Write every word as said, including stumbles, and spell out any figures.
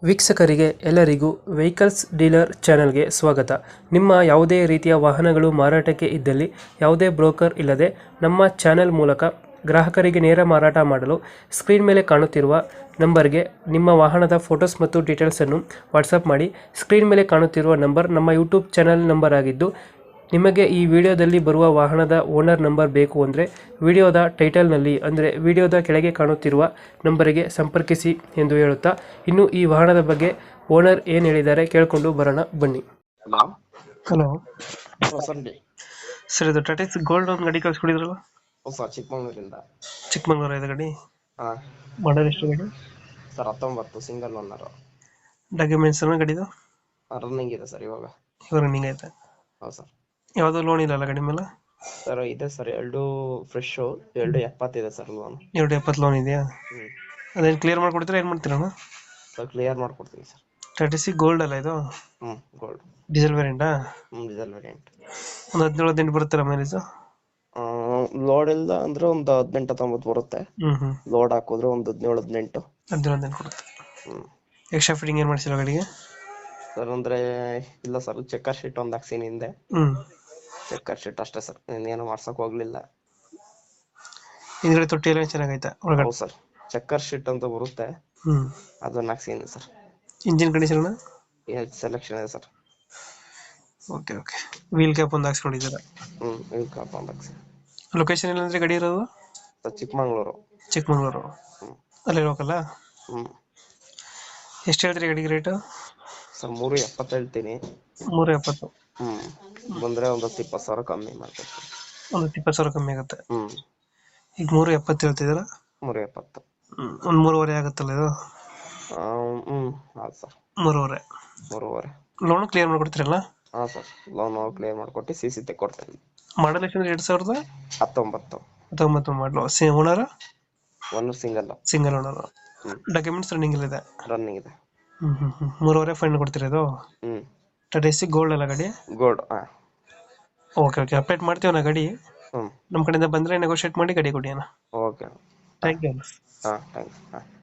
ವೀಕ್ಷಕರಿಗೆ ಎಲ್ಲರಿಗೂ vehicles dealer ಚಾನೆಲ್ಗೆ ಸ್ವಾಗತ. ನಿಮ್ಮ ಯಾವುದೇ ರೀತಿಯ ವಾಹನಗಳು ಮಾರಾಟಕ್ಕೆ ಇದ್ದಲ್ಲಿ ಯಾವುದೇ ಬ್ರೋಕರ್ ಇಲ್ಲದೆ ನಮ್ಮ ಚಾನೆಲ್ ಮೂಲಕ ಗ್ರಾಹಕರಿಗೆ ನೇರ ಮಾರಾಟ ಮಾಡಲು ಸ್ಕ್ರೀನ್ ಮೇಲೆ ಕಾಣುತ್ತಿರುವ ನಂಬರ್ಗೆ ನಿಮ್ಮ ವಾಹನದ ಫೋಟೋಸ್ ಮತ್ತು ಡೀಟೇಲ್ಸನ್ನು ವಾಟ್ಸಪ್ ಮಾಡಿ. ಸ್ಕ್ರೀನ್ ಮೇಲೆ ಕಾಣುತ್ತಿರುವ ನಂಬರ್ ನಮ್ಮ ಯೂಟ್ಯೂಬ್ ಚಾನೆಲ್ ನಂಬರ್ ಆಗಿದ್ದು, ನಿಮಗೆ ಈ ವಿಡಿಯೋದಲ್ಲಿ ಬರುವ ವಾಹನದ ಓನರ್ ನಂಬರ್ ಬೇಕು ಅಂದರೆ ವಿಡಿಯೋದ ಟೈಟಲ್ನಲ್ಲಿ ಅಂದರೆ ವಿಡಿಯೋದ ಕೆಳಗೆ ಕಾಣುತ್ತಿರುವ ನಂಬರಿಗೆ ಸಂಪರ್ಕಿಸಿ ಎಂದು ಹೇಳುತ್ತಾ, ಇನ್ನು ಈ ವಾಹನದ ಬಗ್ಗೆ ಓನರ್ ಏನು ಹೇಳಿದ್ದಾರೆ ಕೇಳಿಕೊಂಡು ಬರೋಣ ಬನ್ನಿ. ಹಲೋ ಹಲೋ ಹೊಸಂಡಿ ಸರ್, ಇದು ಟಾಟಾ ಗೋಲ್ಡ್ ಒಂದು ಗಾಡಿ ಕಳಿಸ್ಕೊಡಿದ್ರಲ್ಲ, ಹೊಸ ಚಿಕ್ಕಮಂಗ್ಳೂರಿಂದ. ಚಿಕ್ಕಮಂಗ್ಳೂರು ಇದೆ ಗಾಡಿ. ಹಾ ಮಾಡಲ್ ಎಷ್ಟು ಗಾಡಿ? ಸರ್ ಹತ್ತೊಂಬತ್ತು ಸಿಂಗಲ್ ಓನರ್. ಡಾಕ್ಯುಮೆಂಟ್ಸ್ ಎಲ್ಲ ಗಾಡಿದು ರನ್ನಿಂಗ್ ಇದೆ ಸರ್ ಇವಾಗ. ಇವಾಗ ರನ್ನಿಂಗ್ ಐತೆ? ಹೌದು ಸರ್. ಯಾವುದೋ ಲೋನ್ ಇಲ್ಲಲ್ಲ ಗಾಡಿ ಮೇಲೆ? ಸರ್ ಇದೆ ಸರ್, ಎರಡು ಫ್ರೆಶ್, ಎರಡು ಎಪ್ಪತ್ತಿದೆ ಸರ್ ಲೋನ್. ಎರಡು ಎಪ್ಪತ್ತು ಲೋನ್ ಇದೆಯಾ? ಹ್ಮ್ ಅದೇನು ಕ್ಲಿಯರ್ ಮಾಡ್ಕೊಡ್ತೀರಾ, ಏನು ಮಾಡ್ತೀರಣ್ಣ? ಸರ್ ಕ್ಲಿಯರ್ ಮಾಡ್ಕೊಡ್ತೀನಿ ಸರ್. ಟಾಟಾ ಸಿ ಗೋಲ್ಡ್ ಅಲ್ಲ ಇದು? ಹ್ಮ್ ಗೋಲ್ಡ್ ಡೀಸೆಲ್ ವೇರಿಯಂಟಾ? ಹ್ಮ್ ಡೀಸೆಲ್ ವೇರಿಯಂಟ್. ಒಂದು ಹದಿನೇಳು ಹದಿನೆಂಟು ಬರುತ್ತಲ್ಲ ಮೈಲೇಜ್? ಲೋಡ್ ಇಲ್ಲ ಅಂದ್ರೆ ಒಂದು ಹದಿನೆಂಟು ಹತ್ತೊಂಬತ್ತು ಬರುತ್ತೆ. ಹ್ಮ್ ಹ್ಮ್ ಲೋಡ್ ಹಾಕಿದ್ರೆ ಒಂದು ಹದಿನೇಳು ಹದಿನೆಂಟು. ಹದಿನೇಳು ಹದಿನೆಂಟು ಕೊಡುತ್ತೆ. ಹ್ಮ್ ಎಕ್ಸ್ಟ್ರಾ ಫಿಟ್ಟಿಂಗ್ ಏನು ಮಾಡಿಸಿಲ್ಲ ಗಾಡಿಗೆ? ಸರ್ ಅಂದ್ರೆ ಇಲ್ಲ ಸರ್, ಚೆಕ್ಕರ್ ಶೀಟ್ ಒಂದು ಹಾಕ್ಸಿನಿ ಹಿಂದೆ. ಹ್ಮ್ ಚೆಕ್ಕರ್ ಶೀಟ್ ಅಷ್ಟೇ ಸರ್, ಇನ್ನೇನು ಮಾಡ್ಸಕ್ ಹೋಗ್ಲಿಲ್ಲ. ಹಿಂದ್ಗಡೆ ತೊಟ್ಟಿ ಎಲ್ಲ ಚೆನ್ನಾಗೈತೆ ಒಳಗಡೆ? ಹೌದು ಸರ್, ಚೆಕ್ಕರ್ ಶೀಟ್ ಅಂತ ಬರುತ್ತೆ, ಹ್ಮ್ ಅದನ್ನ ಹಾಕ್ಸಿನಿ ಸರ್. Engine condition? ಸೆಲೆಕ್ಷನ್ ಇದೆ sir. Okay okay. Wheel cap ಒಂದು ಹಾಕ್ಸ್ಕೊಂಡಿದ್ದೀರಾ? ಹ್ಮ್ ವೀಲ್ ಕ್ಯಾಪ್ ಒಂದು ಹಾಕ್ಸಿ. ಲೊಕೇಶನ್ ಎಲ್ಲಂದ್ರೆ ಗಾಡಿ ಇರೋದು? ಸರ್ ಚಿಕ್ಕಮಂಗ್ಳೂರು. ಚಿಕ್ಕಮಂಗ್ಳೂರು ಹ್ಮ್ ಅಲ್ಲೇ ಲೋಕಲ್ಲ? ಹ್ಮ್ ಎಷ್ಟು ಹೇಳ್ತೀರಿ ಗಾಡಿಗೆ ರೇಟು? ಸರ್ ಮೂರು ಎಪ್ಪತ್ತು ಹೇಳ್ತೀನಿ. ಮೂರು ಎಪ್ಪತ್ತು? ಹ್ಮ್ ಬಂದ್ರೆ ಒಂದು ಹತ್ತು ಇಪ್ಪತ್ತು ಸಾವಿರ ಕಮ್ಮಿ ಮಾಡ್ಕೊಡ್ತೀನಿ. ಒಂದು ಇಪ್ಪತ್ತು ಸಾವಿರ ಕಮ್ಮಿ ಆಗುತ್ತೆ. ಹ್ಮ್ ಈಗ ಮೂರು ಎಪ್ಪತ್ತು ಹೇಳ್ತಿದ್ದೀರಾ? ಮೂರು ಎಪ್ಪತ್ತು. ಹ್ಮ್ ಒಂದು ಮೂರುವರೆ ಆಗುತ್ತಲ್ಲ ಇದು? ಹ್ಮ್ ಹೌದು ಸರ್, ಮೂರುವರೆ. ಮೂರುವರೆ. ಲೋನ್ ಕ್ಲಿಯರ್ ಮಾಡ್ಕೊಡ್ತೀರಲ್ಲ? ಹಾ ಸರ್, ಲೋನ್ ಕ್ಲಿಯರ್ ಮಾಡ್ಕೊಟ್ಟು ಸಿ ಸಿ ತೆಕ್ಕೊಡ್ತೇನೆ. ಮಾಡಲ್ ಎಷ್ಟು? ಎರಡು ಸಾವಿರದ ಹತ್ತೊಂಬತ್ತು. ಹತ್ತೊಂಬತ್ತು ಮಾಡಲು. C owner? ಒಂದು ಸಿಂಗಲ್. Single owner. ಹ್ಮ್ ಡಾಕ್ಯುಮೆಂಟ್ಸ್ ರನ್ನಿಂಗ್ ಇದೆ? ರನ್ನಿಂಗ್ ಇದೆ. ಹ್ಮ್ ಹ್ಮ್ ಹ್ಮ್ ಮೂರುವರೆ ಫೈನ್ ಕೊಡ್ತೀರಾ ಇದು? ಹ್ಮ್ ಟಾಟಾ ಸಿ ಗೋಲ್ಡ್ ಅಲ್ಲ ಗಾಡಿ? ಗೋಲ್ಡ್. ಹಾ ಓಕೆ ಓಕೆ, ಅಪ್ಡೇಟ್ ಮಾಡ್ತೀವಿ ನಾ ಗಾಡಿ. ಹ್ಮ್ ನಮ್ಮ ಕಡೆಯಿಂದ ಬಂದರೆ ನೆಗೋಷಿಯೇಟ್ ಮಾಡಿ ಗಾಡಿ ಕೊಡಿ ಅಣ್ಣ. ಓಕೆ. Thank you. ಹಾ ಥ್ಯಾಂಕ್ಸ್. ಹಾ